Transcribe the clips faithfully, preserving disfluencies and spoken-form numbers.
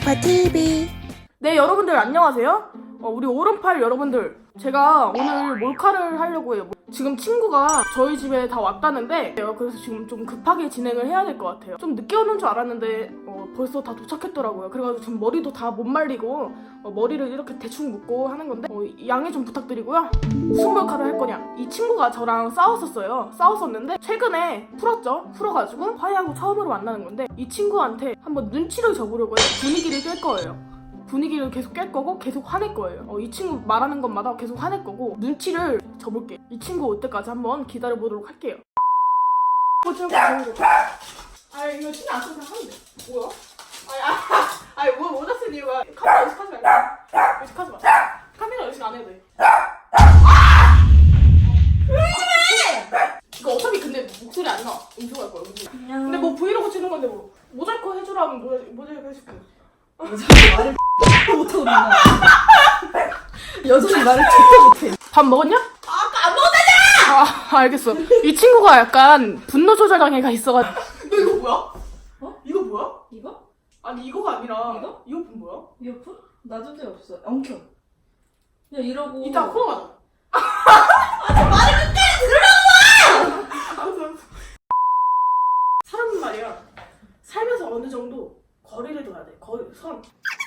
오른팔티비. 네, 여러분들 안녕하세요. 어, 우리 오른팔 여러분들, 제가 오늘 몰카를 하려고 해요. 지금 친구가 저희 집에 다 왔다는데 그래서 지금 좀 급하게 진행을 해야 될 것 같아요. 좀 늦게 오는 줄 알았는데 어, 벌써 다 도착했더라고요. 그래가지고 지금 머리도 다 못 말리고 어, 머리를 이렇게 대충 묶고 하는 건데 어, 양해 좀 부탁드리고요. 무슨 몰카를 할 거냐, 이 친구가 저랑 싸웠었어요. 싸웠었는데 최근에 풀었죠. 풀어가지고 화해하고 처음으로 만나는 건데 이 친구한테 한번 눈치를 줘보려고 해요. 분위기를 깰 거예요. 분위기를 계속 깰 거고 계속 화낼 거예요. 어, 이 친구 말하는 것마다 계속 화낼 거고 눈치를 줘볼게요. 이 친구 올 때까지 한번 기다려보도록 할게요. 보지는 거 좋은 거. 아 이거 신경 안 써서 하면 돼. 뭐야? 아니 아, 아니 뭐 모자 쓴 이유가 카메라 의식하지 말고 의식하지 마. 카메라 의식 안 해도 돼. 아! 이거 어차피 근데 목소리 안 나와. 음소할 거야. 음소. 근데 뭐 브이로그 찍는 건데 뭐 모자이크 해주라면 모자, 모자이크 해줄게. 여전히 말을 못하고 있나? 여전히 말을 진짜 못해. 밥 먹었냐? 아까 안 먹었잖아! 아 알겠어. 이 친구가 약간 분노 조절 장애가 있어가지고. 너 이거 뭐야? 어? 이거 뭐야? 이거? 아니 이거가 아니라 이거? 이어폰 뭐야? 이어폰? 놔둔 데 없어. 엉켜. 야 이러고. 이따 풀어가자. 말을 끝까지 들으라고! 알았어 알았어. 사람은 말이야, 살면서 어느 정도 거리를 둬야 돼. 거리, 선.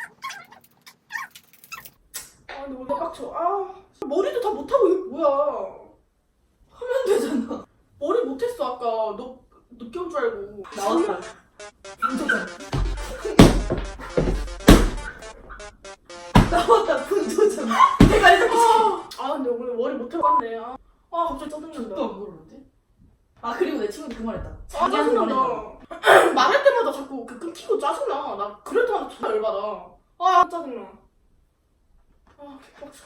아 근데 오늘 빡쳐. 아 머리도 다 못하고 이게 뭐야. 하면 되잖아. 머리 못했어 아까. 너 늦게 올 줄 알고. 나왔다. 분조장. 나왔다 분조장. 내가 이렇게 아 근데 오늘 머리 못하고 왔네. 아, 아 갑자기 짜증난다. 또 안 모르는데? 아 그리고 내 친구도 그 말했다. 아 짜증난다. 말할 때마다 자꾸 그 끊기고 짜증나. 나 그럴 때마다 존나 열받아. 아 짜증나. 아 개빡쳐.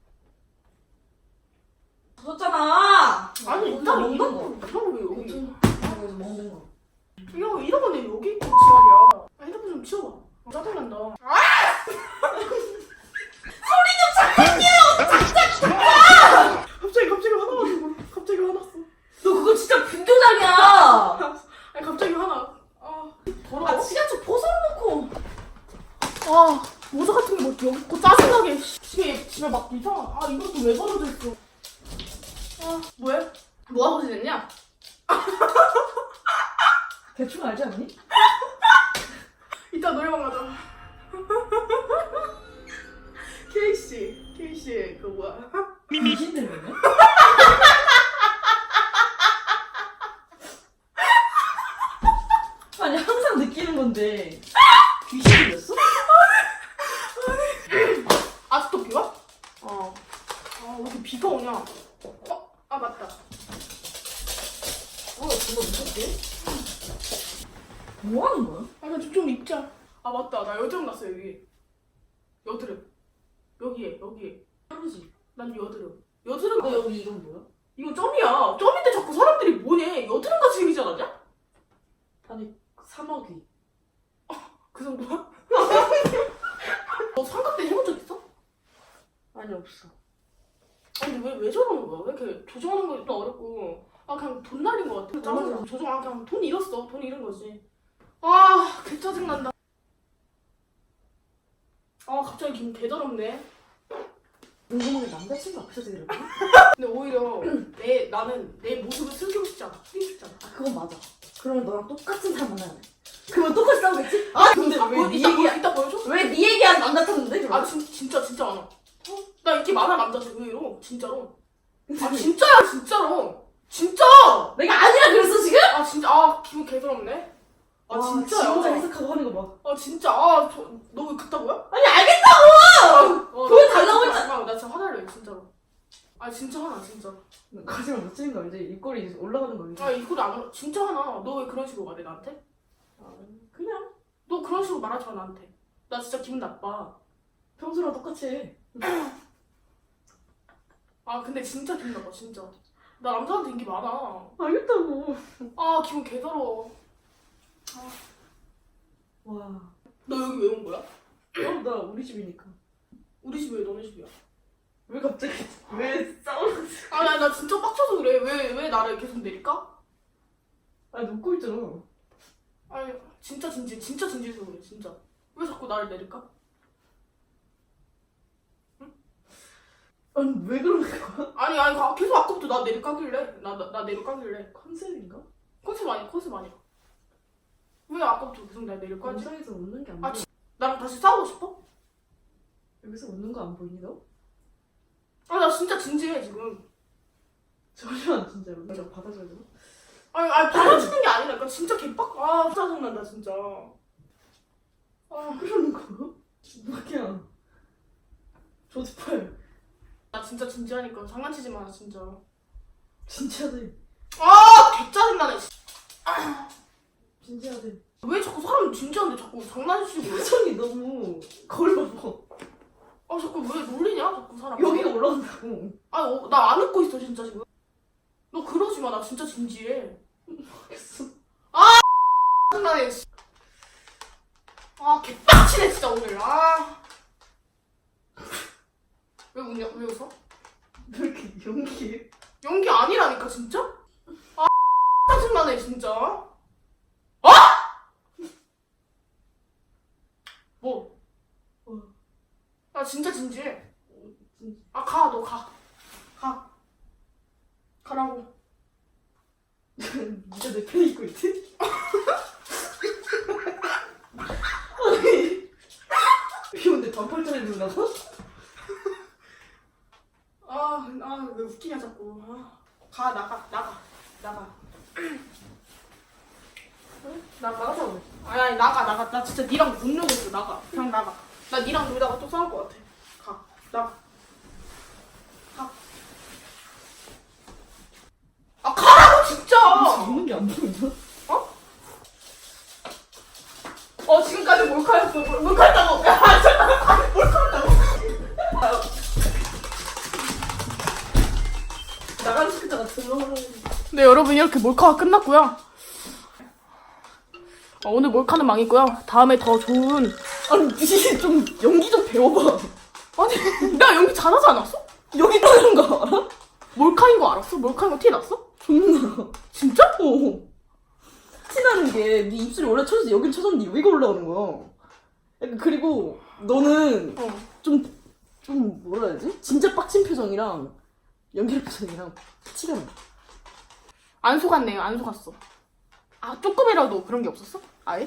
줬잖아. 아니 일단 먹는 이런 거. 거 이런 거 여기. 여기서 먹는 거. 야 이런 거내 여기 있고 지랄이야. 아, 핸드폰 좀 치워봐. 아, 짜증난다. 아! 소리 좀 잠깐요. 진짜. 갑자기 갑자기 화나가지고 갑자기 화났어. 너 그거 진짜 분조장이야. 아니 갑자기 화나. 아 더러워. 아 지하철 벗어놓고. 아 모자 같은 게 뭐 여기 있고 짜증나게. 집에 집에 막 이상한. 아 이것도 왜 버려져 있어. 아 뭐해? 뭐 하고 지냈냐? 대충 알지 않니? 이따 노래방 가자. 케이씨 케이씨 그 뭐야? 미신 들리네? 아니 항상 느끼는 건데 귀신 들렸어? 아직도 비 와? 어. 아, 왜 이렇게 비가 오냐? 어? 아, 맞다. 어 그거 무섭게? 뭐 하는 거야? 아, 나 좀, 좀 입자. 아, 맞다. 나 여드름 났어, 여기. 여드름. 여기에, 여기에. 하루지. 난 여드름. 여드름. 너 여기 이건 뭐야? 이거 점이야. 점인데 자꾸 사람들이 뭐니? 여드름같이 생기지 않았냐? 아니 사마귀. 그 정도야? 너 삼각대 해본 적 있어? 아니 없어. 아니, 왜, 왜 저러는 거야? 왜 이렇게 조정하는 거 또 어렵고. 아, 그냥 돈 날린 거 같아. 짜증나. 조정, 아, 그냥 돈 잃었어. 돈 잃은 거지. 아, 개 짜증난다. 아, 갑자기 기분 개 더럽네. 궁금한 게 남자친구 앞에서 들으라고? 근데 오히려 내, 나는 내 모습을 숨기고 싶지 않아. 숨기고 싶지 않아. 아 그건 맞아. 그러면 너랑 똑같은 사람 만나야 돼. 그러면 똑같이 싸우겠지? 아, 근데 아, 왜 뭐, 네 이따, 얘기야? 보, 이따 보여줘? 왜 네 얘기한 남자 탔는데? 아, 진, 진짜, 진짜 많아. 어? 나 인기 많아, 남자들 의외로. 진짜로. 아, 진짜야, 진짜로. 진짜! 내가 아니라 그랬어 지금? 아, 진짜. 아, 기분 개 더럽네. 아, 와, 진짜야. 지 혼자 해석하고 하는 거 봐. 아, 진짜. 아, 저, 너 왜 그따구야? 아니 알겠다고! 어, 보여달라고 나 진짜 했잖아. 마지막으로 나 진짜 화날래, 진짜로. 아, 진짜 화나, 진짜. 거짓말 못 치는 거 알지? 입꼬리 이제 올라가는 거 알지? 아, 이거를 안, 화- 진짜 화나. 너 왜 그런 식으로 말해, 나한테? 아, 그냥 너 그런 식으로 말하지 마, 나한테. 나 진짜 기분 나빠. 평소랑 똑같이 해. 아, 근데 진짜 기분 나빠, 진짜. 나 남자한테 인기 많아. 알겠다고. 아, 기분 개 더러워. 와. 너 여기 왜 온 거야? 어, 나 우리 집이니까. 우리 집 왜 너네 집이야? 왜 갑자기 왜 싸우는 아, 나, 나 진짜 빡쳐서 그래. 왜, 왜 나를 계속 내릴까? 아니 웃고 있잖아. 아니, 진짜 진지, 진짜 진지해서 그래, 진짜. 왜 자꾸 나를 내릴까? 아니 왜 그러는 거야? 아니 아니 가- 계속 아까부터 나 내릴까길래 나 나 나 내릴까길래 컨셉인가? 컨셉 아니 컨셉 아니야. 왜 아까부터 계속 나 내릴까지? 영상에서 웃는 게 안 아, 보여. 나랑 다시 싸우고 싶어? 여기서 웃는 거 안 보이니 너? 아 나 진짜 진지해 지금. 전혀 진짜로. 내가 받아줘야 되나? 아니 아니 받아주는 게 아니라 진짜 개빡. 아 짜증난다 진짜. 아 그러는 거? 뭐야? 조지팔. 나 진짜 진지하니까 장난치지 마 진짜. 진지하대. 아 개짜증나네. 진지하대. 왜 자꾸 사람 진지한데 자꾸 장난치고. 표정이 너무 거울 봐봐. 아 자꾸 왜 놀리냐 자꾸 사람. 여기가 올라간다고. 아니 어, 나 안 웃고 있어 진짜 지금. 너 그러지 마 나 진짜 진지해. 알겠어. 장난해. 씨. 아 개빡치네 진짜 오늘. 아. 왜 웃냐? 왜 웃어? 왜 이렇게 연기해? 연기 아니라니까 진짜? 아 짜증나네 진짜. 어? 뭐? 어. 나 진짜 진지해. 진짜. 아 가 너 가. 가. 가라고. 네가 내 편 입고 있지? 아니 비 오는데 반팔 잘 입고 나가? 아, 아, 왜 웃기냐 자꾸. 아. 가 나가 나가 나가. 나 나가자고. 아니 아니 나가 나가. 나 진짜 니랑 못 놀겠어. 나가. 그냥 나가. 나 니랑 놀다가 또 싸울 것 같아. 가 나가. 가. 아 가라고 진짜. 웃는 게 안 보이나? 어 지금까지 몰카였어. 몰- 몰카였다고. 야 잠깐만. 몰카였다고. 나가는 시켰다가 들어오는. 네 여러분 이렇게 몰카가 끝났고요. 어, 오늘 몰카는 망했고요. 다음에 더 좋은. 아니 니 좀 연기 좀 배워봐. 아니 나 연기 잘하지 않았어? 여기 있다는 거 알아? 몰카인 거 알았어? 몰카인 거 티 났어? 존나. 진짜? 어. 티나는 게 네 입술이 원래 쳐져서 여긴 쳐졌는데 여기가 올라오는 거야. 약간 그리고 너는 어. 좀, 좀 뭐라 해야지? 진짜 빡친 표정이랑 연기할 표정이랑 티가 나. 안 속았네요. 안 속았어. 아 조금이라도 그런 게 없었어? 아예?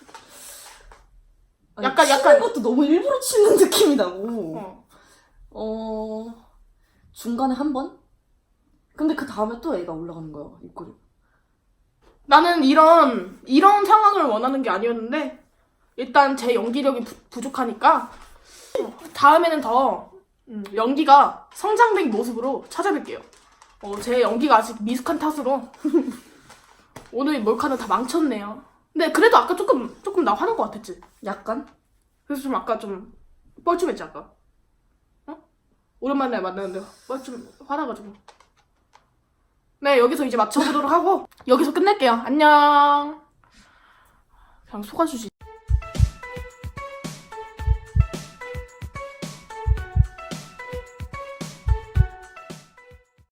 아니, 약간- 치는 약간- 것도 너무 일부러 치는 느낌이 나고. 어. 어... 중간에 한 번? 근데 그 다음에 또 애가 올라가는 거야, 입꼬리. 나는 이런 이런 상황을 원하는 게 아니었는데 일단 제 연기력이 부, 부족하니까 어, 다음에는 더 음, 연기가 성장된 모습으로 찾아뵐게요. 어, 제 연기가 아직 미숙한 탓으로 오늘 몰카는 다 망쳤네요. 근데 그래도 아까 조금 조금 나 화난 것 같았지. 약간? 그래서 좀 아까 좀 뻘쭘했지 아까. 어? 오랜만에 만났는데 뻘쭘 화나가지고. 네 여기서 이제 맞춰보도록 하고 여기서 끝낼게요. 안녕. 그냥 속아주지.